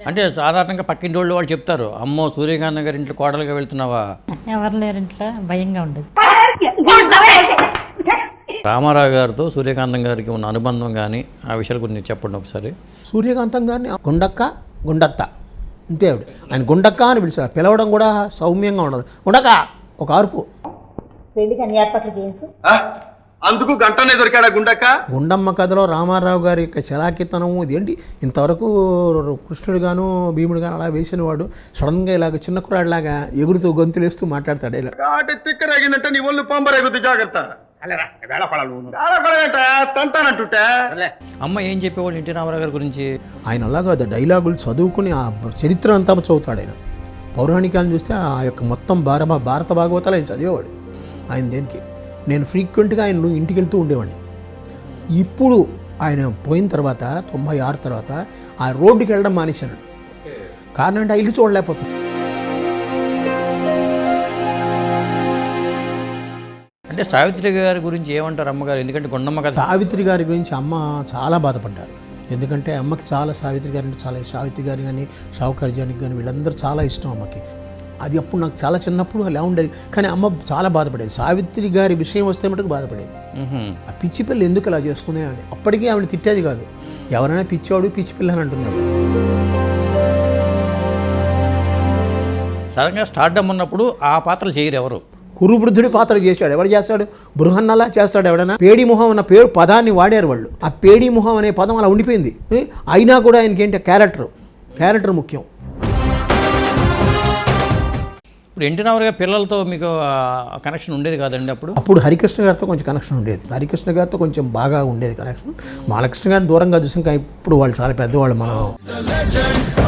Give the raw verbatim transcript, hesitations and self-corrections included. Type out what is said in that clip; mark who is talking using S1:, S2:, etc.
S1: అంటే సాధారణంగా పక్కింటి వాళ్ళు వాళ్ళు చెప్తారు, అమ్మో సూర్యకాంత్ గారి ఇంట్లో కోడలుగా వెళ్తున్నావా.
S2: ఎవరు లేరు ఇంట్లో, భయంగా ఉండదు.
S1: రామారావు గారితో సూర్యకాంతం గారికి ఉన్న అనుబంధం కానీ ఆ విషయాల గురించి చెప్పండి ఒకసారి.
S3: సూర్యకాంతం గారిని గుండక్క గుండత్త అంతే ఆవిడ. ఆయన గుండక్క అని పిలిచారు. పిలవడం కూడా సౌమ్యంగా ఉండదు. గుండక్క ఒక అరుపు.
S4: అందుకు గంటనే దొరికాడా గుండక్క.
S3: గుండమ్మ కథలో రామారావు గారి యొక్క చలాకితనం ఇదేంటి, ఇంతవరకు కృష్ణుడు గాను భీముడు గాను అలా వేసిన వాడు సడన్గా ఇలాగ చిన్న కురాడిలాగా ఎగురుతూ గొంతులేస్తూ మాట్లాడతాడు. ఇలా
S4: తిక్కరేగిందంటే నీ ఒళ్ళు పంబరేగుద్ది, జాగ్రత్త.
S1: అమ్మ ఏం చెప్పేవాళ్ళు ఎన్టీ రామారావు గారి గురించి?
S3: ఆయన అలాగా డైలాగులు చదువుకుని ఆ చరిత్ర అంతా చదువుతాడు. ఆయన పౌరాణికాలను చూస్తే ఆ యొక్క మొత్తం భార భారత భాగవతాలు ఆయన చదివేవాడు. ఆయన దేనికి నేను ఫ్రీక్వెంట్గా ఆయన ఇంటికి వెళ్తూ ఉండేవాడిని. ఇప్పుడు ఆయన పోయిన తర్వాత తొంభై ఆరు తర్వాత ఆ రోడ్డుకి వెళ్ళడం మానేశాను. కారణం అంటే ఆ ఇల్లు చూడలేకపోతుంది.
S1: అంటే సావిత్రి గారి గురించి ఏమంటారు అమ్మగారు? ఎందుకంటే గుండమ్మ కథ.
S3: సావిత్రి గారి గురించి అమ్మ చాలా బాధపడ్డారు. ఎందుకంటే అమ్మకి చాలా సావిత్రి గారి అంటే చాలా సావిత్రి గారి కానీ షావుకర్జానికి కానీ వీళ్ళందరూ చాలా ఇష్టం అమ్మకి. అది అప్పుడు నాకు చాలా చిన్నప్పుడు అలా ఉండేది. కానీ అమ్మ చాలా బాధపడేది. సావిత్రి గారి విషయం వస్తే మటుకు బాధపడేది. ఆ పిచ్చి పిల్ల ఎందుకు అలా చేసుకుంది అని. అప్పటికీ ఆవిడ తిట్టేది కాదు. ఎవరైనా పిచ్చివాడు పిచ్చి పిల్ల అని అంటుంది ఆవిడ.
S1: సడన్గా స్టార్డమ్ ఉన్నప్పుడు ఆ పాత్రలు చేయరు ఎవరు.
S3: కురువృద్ధుడి పాత్ర చేశాడు. ఎవరు చేస్తాడు? బృహన్నలా చేస్తాడు ఎవడైనా. పేడి మొహం అన్న పేరు పదాన్ని వాడారు వాళ్ళు. ఆ పేడి మొహం అనే పదం అలా ఉండిపోయింది. అయినా కూడా ఆయనకి ఏంటి క్యారెక్టర్ క్యారెక్టర్ ముఖ్యం.
S1: ఇప్పుడు ఎన్టీ రామారావు గారి పిల్లలతో మీకు కనెక్షన్ ఉండేది కాదండి అప్పుడు?
S3: అప్పుడు హరికృష్ణ గారితో కొంచెం కనెక్షన్ ఉండేది. హరికృష్ణ గారితో కొంచెం బాగా ఉండేది కనెక్షన్. బాలకృష్ణ గారిని దూరంగా చూసాం. కానీ ఇప్పుడు వాళ్ళు చాలా పెద్దవాళ్ళు. మనం